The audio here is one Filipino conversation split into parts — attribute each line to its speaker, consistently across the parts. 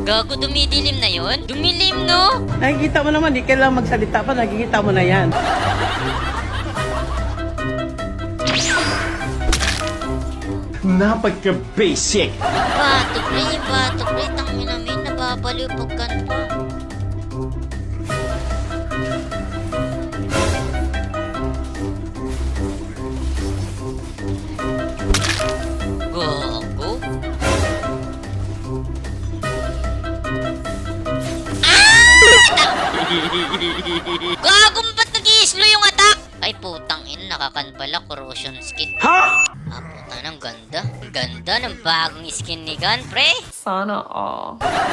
Speaker 1: Gago, dumidilim na yon? Dumilim, no?
Speaker 2: Nakikita mo naman, di kailangan magsalita pa, nakikita mo na yan.
Speaker 3: Napaka-basic.
Speaker 1: Bato, pre. Tangin namin, nababaliw pagkan pa. Gago. Gago, ba't nag-i-slow yung attack? Ay, putang ina, nakakanbala, corrosion skin.
Speaker 3: Ha?
Speaker 1: Ah, puta, ang ganda. Ang ganda ng bagong skin ni Gun, pre.
Speaker 4: Sana all.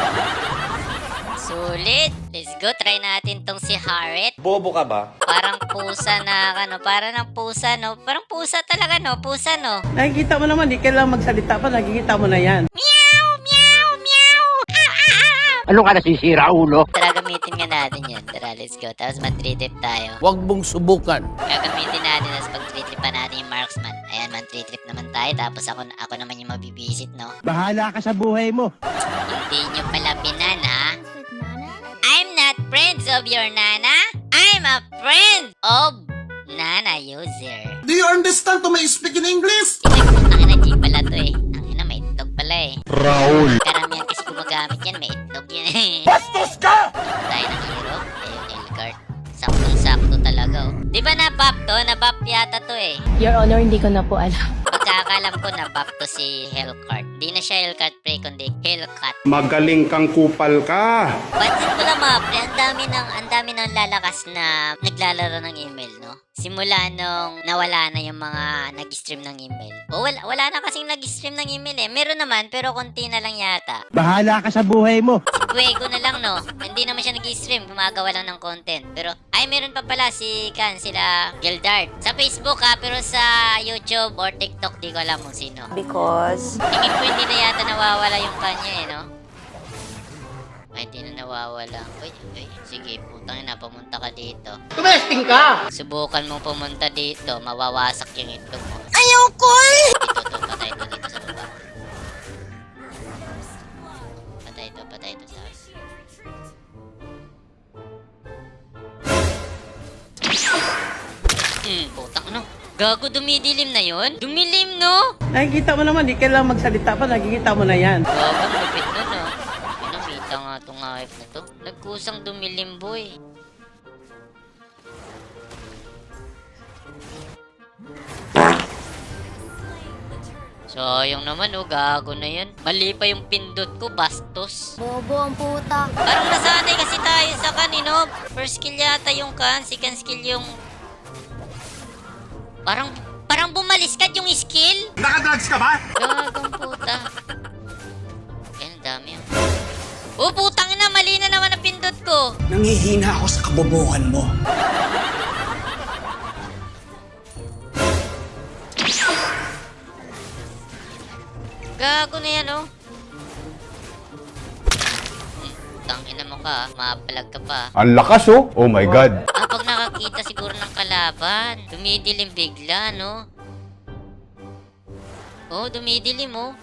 Speaker 1: Sulit. Let's go, try natin tong si Harriet.
Speaker 3: Bobo ka ba?
Speaker 1: Parang pusa na, para ng pusa, no? Parang pusa talaga, no? Pusa, no?
Speaker 2: Nakikita mo naman, di kailangan magsalita pa, nakikita mo na yan.
Speaker 1: Meow, meow, meow.
Speaker 5: Ano ka nasisira, ulo?
Speaker 1: Tara, gamitin nga natin yan. Tara, let's go. Tapos mag-3-trip tayo.
Speaker 5: Huwag mong subukan.
Speaker 1: Gagamitin natin, tapos pag-3-tripan natin yung marksman. Ayan, man-3-trip naman tayo. Tapos ako naman yung mabibisit, no?
Speaker 5: Bahala ka sa buhay mo.
Speaker 1: Hindi nyo pala binan, ha? I'm not friends of your nana. I'm a friend of nana user.
Speaker 6: Do you understand to my speak in English?
Speaker 1: Ang ina, G pala to eh. Ang ina, may itlog pala eh.
Speaker 5: Raul.
Speaker 1: Karamihan kasi gumagamit yan, may itlog yan eh.
Speaker 3: Bastos ka!
Speaker 1: Tayo ng hero. Ayun, Elgart. Saktong-sakto talaga oh. Di ba na-buff to? Na-buff yata to eh.
Speaker 4: Your Honor, hindi ko na po alam.
Speaker 1: Pagkakalam ko na-buff to si Hellcart. Di na siya Hellcart pre, kundi Hellcat.
Speaker 6: Magaling kang kupal ka.
Speaker 1: Pansin ko lang mga pre, ang dami ng lalakas na naglalaro ng email, no? Simula nung nawala na yung mga nag-stream ng email. O wala na kasing nag-stream ng email eh. Meron naman, pero konti na lang yata.
Speaker 5: Bahala ka sa buhay mo.
Speaker 1: Fuego na lang, no? Hindi naman siya nag-stream, gumagawa lang ng content. Pero, ay, meron pa pala sila Gildart. Sa Facebook ha, pero sa YouTube or TikTok, di ko alam kung sino.
Speaker 4: Because...
Speaker 1: Tingin ko hindi na yata nawawala yung kanya eh, no? Ay, hindi na nawawala. Uy, sige, putang ina, pumunta ka dito.
Speaker 5: Tumesting ka!
Speaker 1: Subukan mo pumunta dito, mawawasak yung itlog mo.
Speaker 4: Ayaw ko eh!
Speaker 1: Ito, patay ito dito sa baba. Patay ito sa akin. Putang ano? Gago, dumidilim na yon? Dumilim, no?
Speaker 2: Nakikita mo naman, di kailangan magsalita pa, nakikita mo na yan.
Speaker 1: Gago, lupit nun, no? Pinamita nga itong hype na to. Nagkusang dumilim, boy. Sayang naman, oh. Gago na yan. Mali pa yung pindot ko, bastos.
Speaker 4: Bobo ang puta.
Speaker 1: Parang nasanay kasi tayo sa kanino. First skill yata yung second skill yung... Parang bumaliskad yung skill.
Speaker 6: Nakadrugs ka ba?
Speaker 1: Gagong puta. Ay, ang dami yun. Oh, putang ina, mali na naman ang pindot ko.
Speaker 6: Nangihina ako sa kabobohan mo.
Speaker 1: Gago na yan, oh. Tangina mo ka, mapalag ka pa.
Speaker 3: Ang lakas oh. Oh my God.
Speaker 1: Pag nakakita siguro ng kalaban, dumidilim bigla, no? Oh, dumidilim, oh.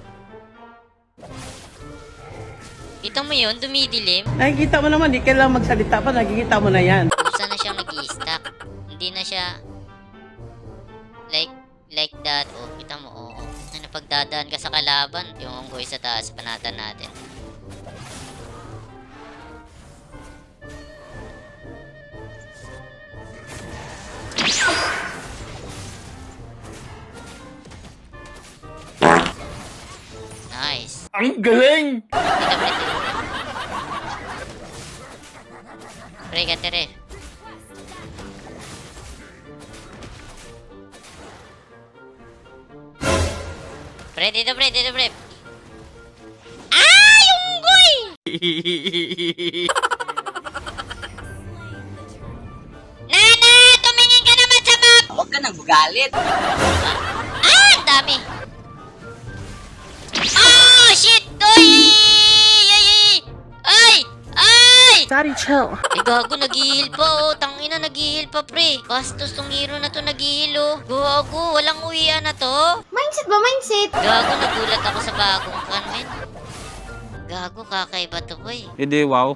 Speaker 1: Kita mo yun, dumidilim?
Speaker 2: Nakikita mo naman, di kailangan magsalita pa, nakikita mo na yan.
Speaker 1: Kusa na siyang nag-i-stack. Hindi na siya like that. Oh, kita mo, oh. Na pagdadaan ka sa kalaban, yung unggoy sa taas, panatan natin. Nice.
Speaker 3: Ang galing!
Speaker 1: Pre, katere. Dito, pre. Ah! Yung unggoy! Nana! Tumingin ka naman sa map!
Speaker 5: Huwag ka nang magalit.
Speaker 1: Ah! Ang dami! Oh! Shit! Oy! Ay!
Speaker 4: Daddy, chill.
Speaker 1: Eh, gago, nag-heal pa, oh. Tangina, nag-heal pa, pre. Bastos tong hero na to, nag-heal, oh. Gago, walang uwian na to.
Speaker 4: Mindset ba? Mindset?
Speaker 1: Gago, nagulat ako sa bagong kan, men. Gago, kakaiba to, boy.
Speaker 5: Hindi, wow.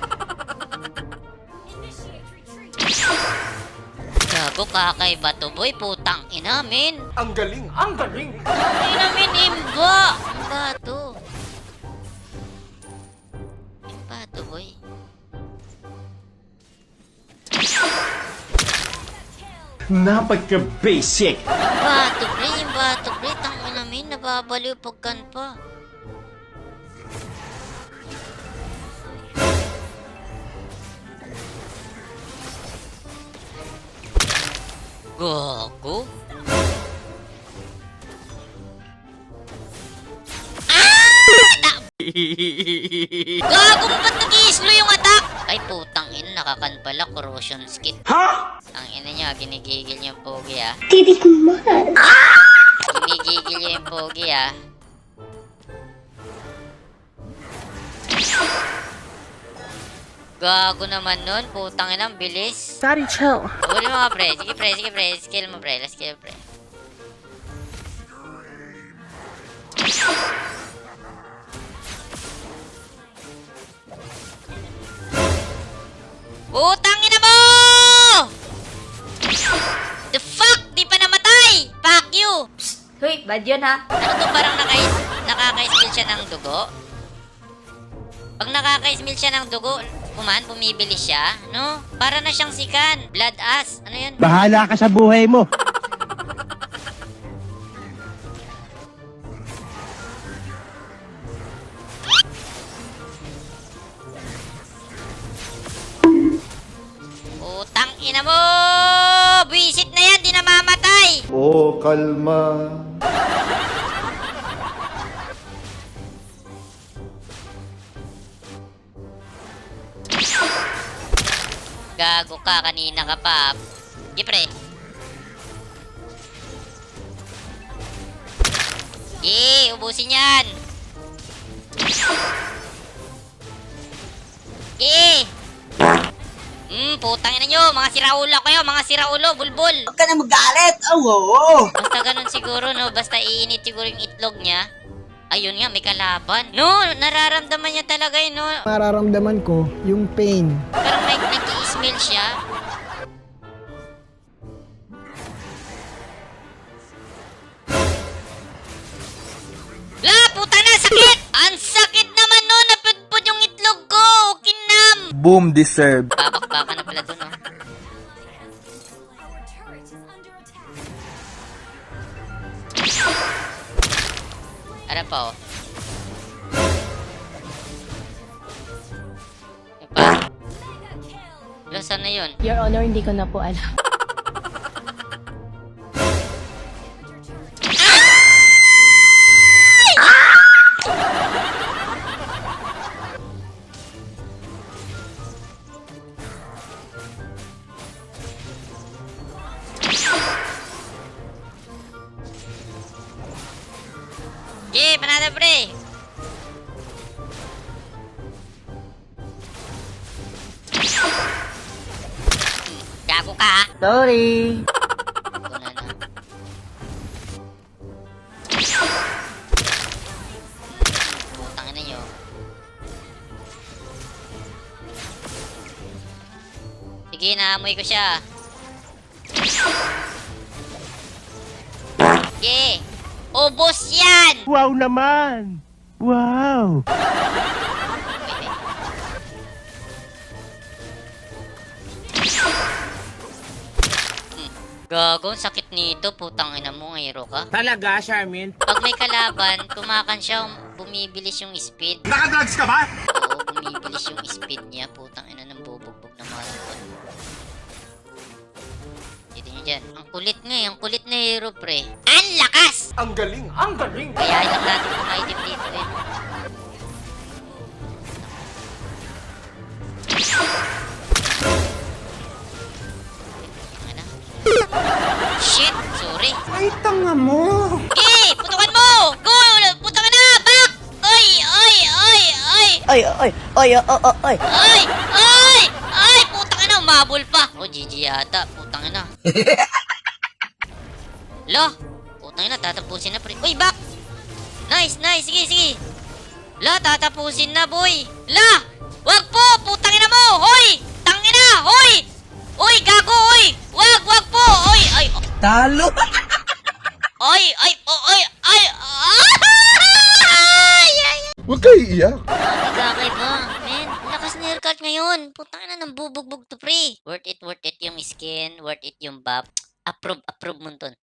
Speaker 1: Gago, kakaiba to, boy. Putang ina, men.
Speaker 6: Ang galing, ang galing.
Speaker 1: Ina, men, imba. Imba to. Imba to, boy.
Speaker 3: Napagka-basic.
Speaker 1: Imba to, pre. Tang ina, men. Nababaliw pagkan pa. Gago. Gago mo ba't nag-i-slow yung attack? Ay putang ina, nakakan pala, corrosion skit.
Speaker 3: Ha?
Speaker 1: Ang ina nyo, ginigigil yung pogi ah.
Speaker 4: Titik mo man.
Speaker 1: Ginigigil yung pogi ah. Gago naman nun, putang ina, ang bilis.
Speaker 4: Daddy, chill.
Speaker 1: Huli mo ka, pre. Sige, pre. Sige, pre. Skill mo, pre. Let's kill, pre. Putang ina mo! The fuck? Di pa namatay! Fuck you!
Speaker 4: Hoy, bad yun ha.
Speaker 1: Ano to, parang nakaka-smell siya ng dugo? Pag nakaka-smell siya ng dugo, bumibilis siya, no? Para na siyang sikan. Blood ass. Ano yan?
Speaker 5: Bahala ka sa buhay mo.
Speaker 1: Utang ina mo! Visit na yan, di na mamatay!
Speaker 6: Oh, kalma.
Speaker 1: Gago ka, kanina ka pa. Sige, pre. Sige, ubusin yan. Sige. Putang ina nyo. Mga siraulo kayo. Mga siraulo. Bulbul.
Speaker 5: Huwag ka na magalit. Oo.
Speaker 1: Basta ganun siguro, no? Basta iinit siguro yung itlog niya. Ayun nga, may kalaban. No, nararamdaman niya talaga yun, no?
Speaker 7: Mararamdaman ko yung pain.
Speaker 1: Parang may nag-i-smell siya. La, puta na, sakit! Ang sakit naman, no? Napudpud yung itlog ko. Kinam!
Speaker 5: Boom deserve.
Speaker 1: Babakbaka na pala dun, no? Ano pa, oh? Ano pa? Wala, saan na yun?
Speaker 4: Your Honor, hindi ko na po alam.
Speaker 1: Okay, panalo, pre! Gago ka, ha?
Speaker 5: Sorry.
Speaker 1: Wala na. Putang ina nyo. Sige, naamoy ko siya. Sige. Ubos yan!
Speaker 5: Wow naman. Wow.
Speaker 1: Gago, sakit nito. Putang ina mo, hero ka.
Speaker 5: Talaga, Charmin?
Speaker 1: Pag may kalaban, tumakan siya, bumibilis yung speed.
Speaker 6: Nakadrugs ka ba?
Speaker 1: Oo, bumibilis yung speed niya. Putang ina ng bubugbog na malapot. Dito nyo dyan. Ang kulit na hero, pre. Ang lakas!
Speaker 6: Ang galing, ang galing.
Speaker 1: Kaya lang natin yung item dito, eh. Ano? Shit! Sorry.
Speaker 6: Ay, tanga mo.
Speaker 1: Okay! Putukan mo! Go! Putukan na! Back! Oy! Oy! Oy! Oy!
Speaker 7: Ay, ay, ay, ay, ay.
Speaker 1: Ay! Ay! Ay! Putang ina! Umabol pa! Oh, GG yata. Putang ina. Lo! Putang ina, tatapusin na pre. Uy, back! Nice, nice! Sige, sige! La, tatapusin na, boy. La! Wag po! Putang ina mo! Hoy! Tangina! Hoy! Hoy, gago! Hoy! Wag po! Hoy! Ay!
Speaker 7: Talo!
Speaker 1: Ay! Ay! Ay! Ay! Ay!
Speaker 6: Huwag kayo iiyak.
Speaker 1: Gagay ba? Men, lakas na haircut ngayon. Putang ina ng bubugbog to pre. Worth it yung skin. Worth it yung buff. Approve mo ton.